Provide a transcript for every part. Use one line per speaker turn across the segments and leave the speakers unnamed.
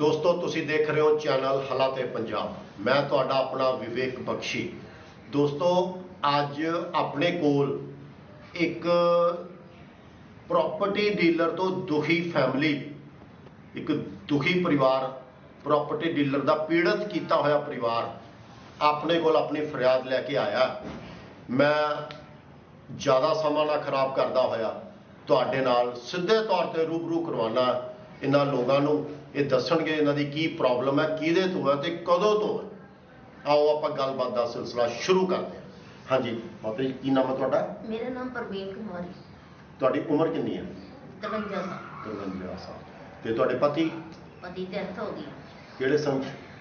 दोस्तों तुसी देख रहे हो चैनल हालाते पंजाब। मैं तुहाडा अपना विवेक बख्शी। दोस्तों अज अपने कोल एक प्रॉपर्टी डीलर तो दुखी फैमिली, एक दुखी परिवार, प्रॉपर्टी डीलर का पीड़ित किया होया परिवार अपने कोल अपनी फरियाद लैके आया। मैं ज़्यादा समा ना खराब करता होया तुहाडे नाल सीधे तौर पर रूबरू करवाना इन्हां लोगों नूं। ये दसणगे इन्हां दी की प्रॉब्लम है, किहदे तो है ते कदों तो है। आओ आपां गलबात दा सिलसिला शुरू करते हैं। हाँ जी माता जी, की नाम है तुहाडा?
मेरा नाम परवीन कुमारी।
तुहाडी उम्र कितनी है?
53 साल।
53 साल। ते तुहाडे पति?
पति की डेथ हो गई
किहड़े सन?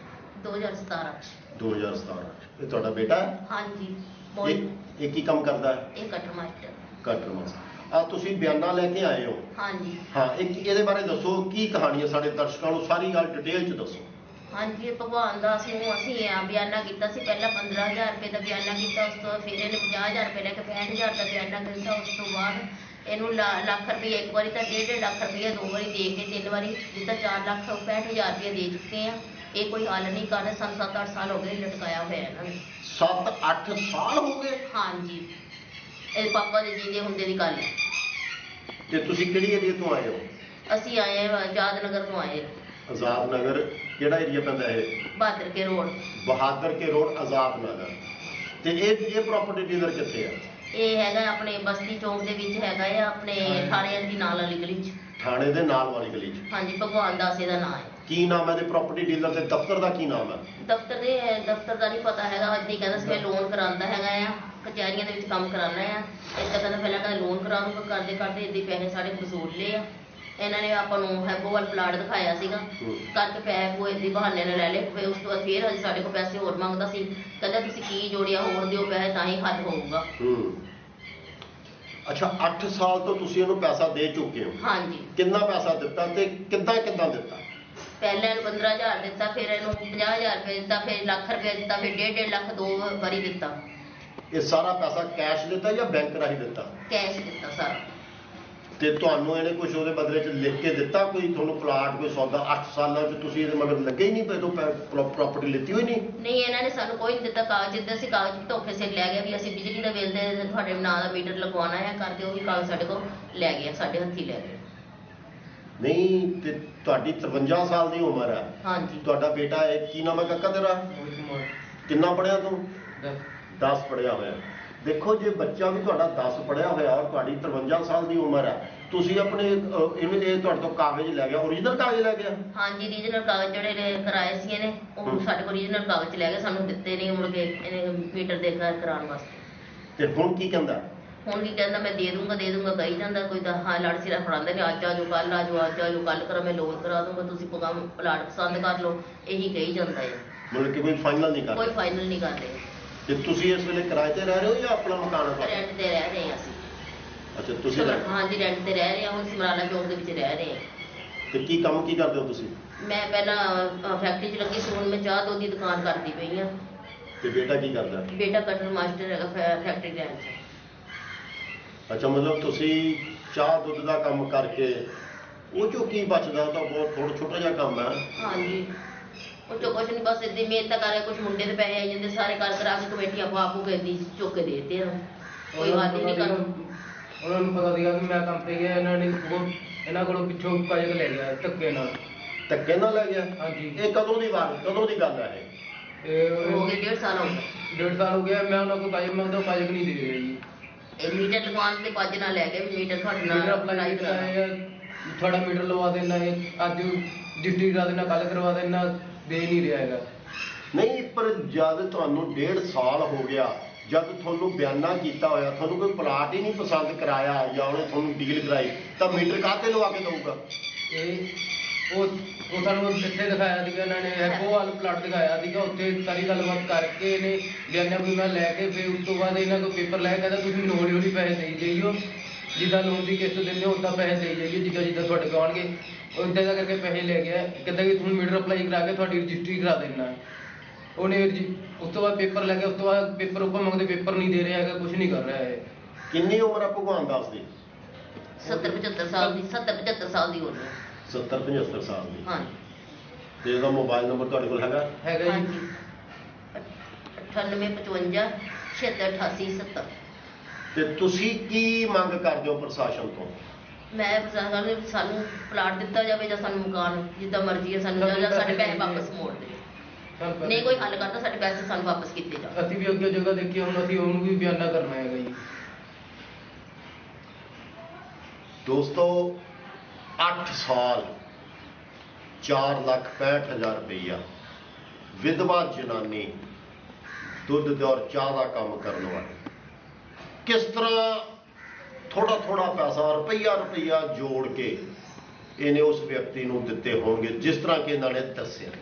2017।
2017। ये तुहाडा बेटा है?
हाँ जी।
ये की काम करता है?
ये कटर मास्टर।
Cutter master. तुसीं बयाना लैके आए हो?
हाँ जी।
हाँ, एक ये बारे दसो की कहानी है, साढ़े दर्शकों को सारी गल डिटेल च दसो।
हाँ जी, भगवान दास नूं असीं बयाना किया सी। पहला 15,000 रुपये का बयाना किया, उस तो फिर इन्हें 50,000 रुपये लैके 65,000 का बयाना किया। उस तो बाद इनू लाख रुपये एक बारी तो 1.5 लाख रुपये 2 बारी दे के 3 बारी जितना 4,65,000 रुपये दे चुके हैं। ये कोई हल नहीं कर रहे। सन 7-8 साल हो गए लटकाया हुआ इन्होंने।
7-8 साल हो गए?
हाँ जी, ये पापा के जींदे हुंदे दी गल है।
ते तुसीं किहड़ी एरिया तो आए हो?
असीं आए हैं आजाद नगर तो आए।
आजाद नगर किहड़ा एरिया पैंदा है?
बहादुर के रोड।
बहादुर के रोड आजाद नगर। ते ये प्रॉपर्टी डीलर कित्थे है?
ये हैगा अपने बस्ती चौक दे विच हैगा है, अपने थाने दी नाल वाली गली च।
थाने दे नाल वाली गली च?
हाँ जी, भगवान दास दा नाम है।
की नाम है प्रॉपर्टी डीलर के दफ्तर का? की नाम है
दफ्तर का नहीं पता है। अज कहता सी मैं लोन करांदा हैगा आ, कचहरियां दे विच काम कराना है। इस कहता पहला कहता लोन करा दूंगा, करते करते इद्दां पैसे साढ़े वसूल ले आ। इन्होंने आपां नूं हैगोवाल प्लाट दिखाया सीगा, करके पैसे पूए इद्दां बहाने नाल लै ले। फिर उस तो बाद फिर अजे साढ़े को पैसे होर मंगदा सी। कहंदा तुसीं की जोड़िया, होर दिओ पैसे तां ही हल होऊगा।
अच्छा, 8 साल तो तुसीं इहनूं पैसा दे चुके हो? हाँ जी। कितना पैसा दिता ते किद्दां दिता?
पहले 15,000 दिता, फिर इन्हूं 50,000 रुपये दिता, फिर लाख रुपये दिता, फिर 1.5 लाख 2 बारी दिता।
ये सारा पैसा कैश दिता या बैंक राही दिता? कैश
दिता सारा।
ते तुहानूं इहने कुछ उहदे बदले च लिख के दिता कोई तुहानूं प्लाट, कोई सौदा? 8 सालों च तुसीं इहदे मगर लगे ही नहीं पे, तो प्रॉपर्टी लिੱਤੀ होई नहीं?
नहीं, इन्होंने सानूं कोई नहीं दिता कागज। जिद्दां असीं कागज धोखे सिर लै गए भी असीं बिजली का बिल दे तुहाडे नां दा मीटर लगवाना है करके, वो भी कागज साडे कोल लै गए, साडे हत्थी लै गए।
नहीं ते तुहाडी 53 साल की उम्र है? हाँ जी। तुहाडा बेटा है, की नाम है काका तेरा? कितना पढ़िया तू? 10 पढ़िया होया। देखो जे बच्चा भी तुहाडा 10 पढ़िया होया और तुहाडी 53 साल की उम्र है, तुसीं अपने इन्हें तुहाडे तो कागज लै गया, ओरिजिनल कागज लै गया? हाँ जी, ओरिजिनल कागज जिहड़े कराए सी इहने वो साडे कोल ओरिजिनल कागज लै गए, सानूं दित्ते नहीं मुड़ के मीटर देखा कराउण वास्ते। ते हुण की कहंदा? हुण की कहंदा मैं दे दूंगा कही जांदा। कोई तो हाँ लड़ सिरा फड़ांदे ने, अज आ जाओ कल आ जाओ, अज आ जाओ कल करो, मैं लोन करा दूंगा, तुसीं काम प्लाट पसंद कर लो, यही कही जांदा है। मतलब कि कोई फाइनल नहीं कर? कोई फाइनल नहीं कर रहे। ते तुसीं इस वेले किराए ते रह रहे हो या अपना मकान है? रेंट ते रह रहे हैं असीं। अच्छा, तुसीं? हाँ जी, रेंट ते रह रहे हैं। हुण समराला चौक दे विच रह रहे हैं। ते की काम की करदे हो तुसीं? मैं पहला फैक्ट्री च लगी सी, हुण मैं चाह दुध दी दुकान करदी पई हां। ते बेटा की करदा? बेटा कटर मास्टर हैगा फैक्ट्री लाइन च। अच्छा, मतलब तुसीं चाह दुध का काम करके वो चो की बचदा? तो बहुत थोड़ा छोटा जिहा काम है। हाँ जी, वो चो कुछ नहीं, बस इद्दां मेहनत कर कुछ मुंडे दे पैसे आई जांदे, सारे कर करा के कमेटी आपू के चुक के देते हैं। कोई हल ही नहीं कर।
ਉਹਨਾਂ ਨੂੰ ਪਤਾ ਸੀਗਾ ਕਿ ਮੈਂ ਕੰਮ ਤੇ ਗਿਆ, ਇਹਨਾਂ ਕੋਲੋਂ ਪਿੱਛੋਂ ਕਾਜਕ ਲੈ ਗਿਆ ਧੱਕੇ ਨਾਲ।
ਧੱਕੇ ਨਾਲ ਲੈ ਗਿਆ?
ਹਾਂਜੀ।
ਇਹ ਕਦੋਂ ਦੀ ਗੱਲ ਹੈ ਇਹ?
ਹੋ ਗਏ 1.5 ਸਾਲ ਹੋ ਗਏ।
1.5 ਸਾਲ ਹੋ ਗਿਆ। ਮੈਂ ਉਹਨਾਂ ਕੋਲ ਕਾਜਕ ਮੰਗਦਾ, ਉਹ ਕਾਜਕ ਨਹੀਂ ਦੇ ਰਿਹਾ ਜੀ।
ਇਹ ਮੀਟਰ ਲਗਵਾਉਣ ਦੇ ਪੱਜ ਨਾਲ ਲੈ ਗਏ ਵੀ ਮੀਟਰ ਤੁਹਾਡੇ ਨਾਲ
ਅਪਲਾਈ ਕਰਾਇਆ, ਤੁਹਾਡਾ ਮੀਟਰ ਲਵਾ ਦੇਣਾ ਹੈ, ਅੱਜ ਡਿਊਟੀ ਕਰਾ ਦੇਣਾ, ਕੱਲ ਕਰਵਾ ਦੇਣਾ, ਦੇ ਨਹੀਂ ਰਿਹਾ ਹੈਗਾ।
नहीं, पर जब तुहानूं 1.5 साल हो गया, जब तुहानूं बयाना किया होया, तुहानूं कोई प्लाट ही नहीं पसंद कराया या उन्हें तुहानूं डील कराई, तो मीटर काहते लवा के दऊगा?
ਉਹ ਸਾਨੂੰ ਇੱਥੇ ਦਿਖਾਇਆ ਸੀਗਾ ਇਹਨਾਂ ਨੇ, ਹੈਗੋਵਾਲ ਪਲਾਟ ਦਿਖਾਇਆ ਸੀਗਾ, ਉੱਥੇ ਸਾਰੀ ਗੱਲਬਾਤ ਕਰਕੇ ਇਹਨੇ ਬਿਆਨਾ ਬੁਆਨਾ ਲੈ ਕੇ ਫਿਰ ਉਸ ਤੋਂ ਬਾਅਦ ਇਹਨਾਂ ਕੋਲ ਪੇਪਰ ਲੈ ਕੇ ਕਹਿੰਦਾ ਤੁਸੀਂ ਮੈਨੂੰ ਹੌਲੀ ਹੌਲੀ ਪੈਸੇ ਦੇਈ ਜਾਈਓ, ਜਿੱਦਾਂ ਲੋਨ ਦੀ ਕਿਸ਼ਤ ਦਿੰਦੇ ਹੋ ਉੱਦਾਂ ਪੈਸੇ ਦੇਈ ਜਾਈਓ, ਜਿੱਦਾਂ ਤੁਹਾਡੇ ਕੋਲ ਆਉਣਗੇ। ਉਹ ਇੱਦਾਂ ਦਾ ਕਰਕੇ ਪੈਸੇ ਲੈ ਗਿਆ। ਕਹਿੰਦਾ ਕਿ ਤੁਹਾਨੂੰ ਮੀਟਰ ਅਪਲਾਈ ਕਰਾ ਕੇ ਤੁਹਾਡੀ ਰਜਿਸਟਰੀ ਕਰਾ ਦੇਣਾ। ਉਹਨੇ ਉਸ ਤੋਂ ਬਾਅਦ ਪੇਪਰ ਲੈ ਕੇ, ਉਸ ਤੋਂ ਬਾਅਦ ਪੇਪਰ ਉੱਪਰ ਮੰਗਦੇ, ਪੇਪਰ ਨਹੀਂ ਦੇ ਰਿਹਾ ਹੈਗਾ, ਕੁਝ ਨਹੀਂ ਕਰ ਰਿਹਾ ਹੈ।
ਕਿੰਨੀ ਉਮਰ ਆ ਭਗਵਾਨ ਦਾਸ ਦੀ?
70-75 ਸਾਲ ਦੀ। 70-75 ਸਾਲ ਦੀ ਹੋ ਰਹੀ ਹੈ।
70-75 साल की।
हाँ।
ਤੇ ਇਹਦਾ ਮੋਬਾਈਲ ਨੰਬਰ ਤੁਹਾਡੇ ਕੋਲ ਹੈਗਾ?
ਹੈਗਾ ਜੀ।
ਹਾਂਜੀ 9855 768870।
ਤੇ ਤੁਸੀਂ ਕੀ ਮੰਗ ਕਰਦੇ ਹੋ ਪ੍ਰਸ਼ਾਸਨ ਤੋਂ?
ਮੈਂ ਪ੍ਰਸ਼ਾਸਨ ਨੂੰ ਸਾਨੂੰ ਪਲਾਟ ਦਿੱਤਾ ਜਾਵੇ ਜਾਂ ਸਾਨੂੰ ਮਕਾਨ ਜਿੱਦਾਂ ਮਰਜ਼ੀ ਹੈ ਸਾਨੂੰ ਜਾਂ ਸਾਡੇ ਪੈਸੇ ਵਾਪਸ ਮੋੜ ਦੇ। ਨਹੀਂ ਕੋਈ ਹੱਲ ਕਰਦਾ ਸਾਡੇ ਪੈਸੇ ਸਾਨੂੰ ਵਾਪਸ ਕੀਤੇ ਜਾਣ।
ਅਸੀਂ ਵੀ ਅੱਗੇ ਜਗ੍ਹਾ ਦੇਖੀ, ਹੁਣ ਅਸੀਂ ਉਹਨੂੰ ਵੀ ਬਿਆਨਾ ਕਰਨਾ ਹੈਗਾ ਜੀ।
ਦੋਸਤੋ 8 ਸਾਲ 4,65,000 ਰੁਪਈਆ ਵਿਧਵਾ ਜਨਾਨੀ ਦੁੱਧ ਤੇ ਔਰ ਚਾਹ ਦਾ ਕੰਮ ਕਰਨ ਵਾਲੀ ਕਿਸ ਤਰ੍ਹਾਂ ਥੋੜਾ ਥੋੜਾ ਪੈਸਾ ਰੁਪਈਆ ਜੋੜ ਕੇ ਇਹਨੇ ਉਸ ਵਿਅਕਤੀ ਨੂੰ ਦਿੱਤੇ ਹੋਣਗੇ ਜਿਸ ਤਰ੍ਹਾਂ ਕਿ ਇਹਨਾਂ ਨੇ ਦੱਸਿਆ।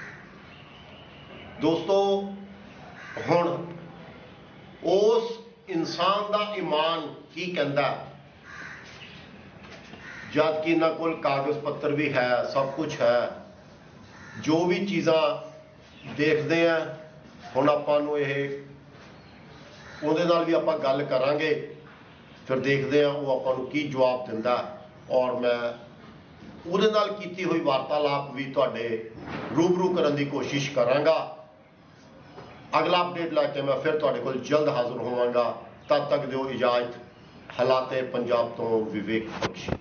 ਦੋਸਤੋ ਹੁਣ ਉਸ ਇਨਸਾਨ ਦਾ ਈਮਾਨ ਕੀ ਕਹਿੰਦਾ, ਜਦ ਕਿ ਇਹਨਾਂ ਕੋਲ ਕਾਗਜ਼ ਪੱਤਰ ਵੀ ਹੈ, ਸਭ ਕੁਝ ਹੈ, ਜੋ ਵੀ ਚੀਜ਼ਾਂ ਦੇਖਦੇ ਆ। ਹੁਣ ਆਪਾਂ ਨੂੰ ਇਹ ਉਹਦੇ ਨਾਲ ਵੀ ਆਪਾਂ ਗੱਲ ਕਰਾਂਗੇ, ਫਿਰ ਦੇਖਦੇ ਆ ਉਹ ਆਪਾਂ ਨੂੰ ਕੀ ਜਵਾਬ ਦਿੰਦਾ, ਔਰ ਮੈਂ ਉਹਦੇ ਨਾਲ ਕੀਤੀ ਹੋਈ ਵਾਰਤਾਲਾਪ ਵੀ ਤੁਹਾਡੇ ਰੂਬਰੂ ਕਰਨ ਦੀ ਕੋਸ਼ਿਸ਼ ਕਰਾਂਗਾ। ਅਗਲਾ ਅਪਡੇਟ ਲੈ ਕੇ ਮੈਂ ਫਿਰ ਤੁਹਾਡੇ ਕੋਲ ਜਲਦ ਹਾਜ਼ਰ ਹੋਵਾਂਗਾ। ਤਦ ਤੱਕ ਦਿਓ ਇਜਾਜ਼ਤ। ਹਾਲਾਤੇ ਪੰਜਾਬ ਤੋਂ ਵਿਵੇਕ ਬਖਸ਼ੀ।